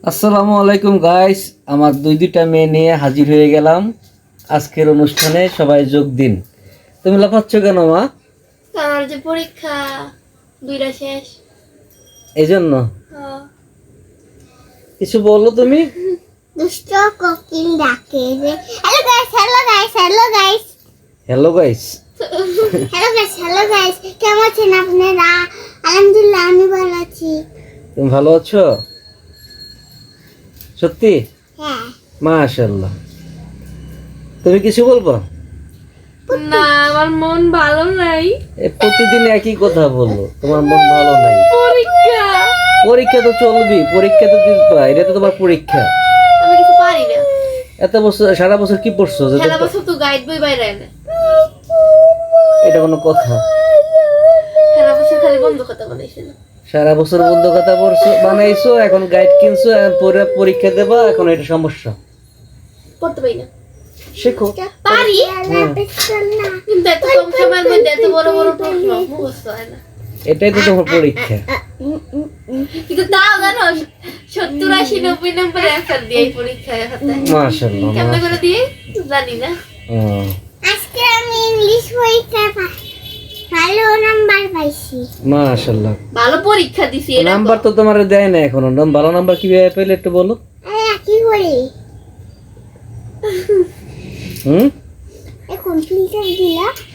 আসসালামু আলাইকুম গাইস, আমার দুইটা মেয়ে নিয়ে হাজির হয়ে গেলাম আজকের অনুষ্ঠানে। সবাই যোগ দিন। তুমি লাফাচ্ছ কেন মা? আমার যে পরীক্ষা দুইটা শেষ। এই জন্য হ্যাঁ। কিছু বললো তুমি? দুষ্ট কোকিল ডাকে যে hello guys hello guys hello guys hello guys. Hello guys কেমন আছেন আপনারা? আলহামদুলিল্লাহ আমি ভালো আছি। তুমি ভালো আছো সত্যি? হ্যাঁ। মাশাআল্লাহ। তুমি কিছু বলবো? না, আমার মন ভালো নাই। প্রতিদিন একই কথা বললো, তোমার মন ভালো নাই। পরীক্ষা পরীক্ষা তো চলবে, পরীক্ষা তো দিবা, এটা তো তোমার পরীক্ষা। আমি কিছু পারি না। এত বছর সারা বছর কি পড়ছো যে সারা বছর তো গাইড বই বাইরে না। এটা কোনো কথা? সারা বছর খালি বন্ধ কথা বানাইছিল। সারা বছর বন্ধ কথা বানাইছো, এখন গাইড কিনছো, এখন পরে পরীক্ষা দেবা, এখন এটা সমস্যা। পড়তে পারি না। শেখো। পারি কিন্তু এত কম সময়ের মধ্যে এত বড় বড় প্রশ্ন মুখস্থ হয় না। এটাই তো তোমার পরীক্ষা। কিন্তু তাও জানো 70-80-90 নম্বরে অ্যান্সার দিয়ে পরীক্ষায় হতে। মাশাআল্লাহ। কেমন করে দিয়ে জানি না। আজকে আমি ইংলিশ পরীক্ষায় ভালো নাম্বার পাইছি। মাশাআল্লাহ। ভালো পরীক্ষা দিছি। নাম্বার তো তোমার দেয় না এখনো। ভালো নাম্বার কিভাবে পেলে একটু বলো। কি করি হুম এখন ফিল্টার দিলা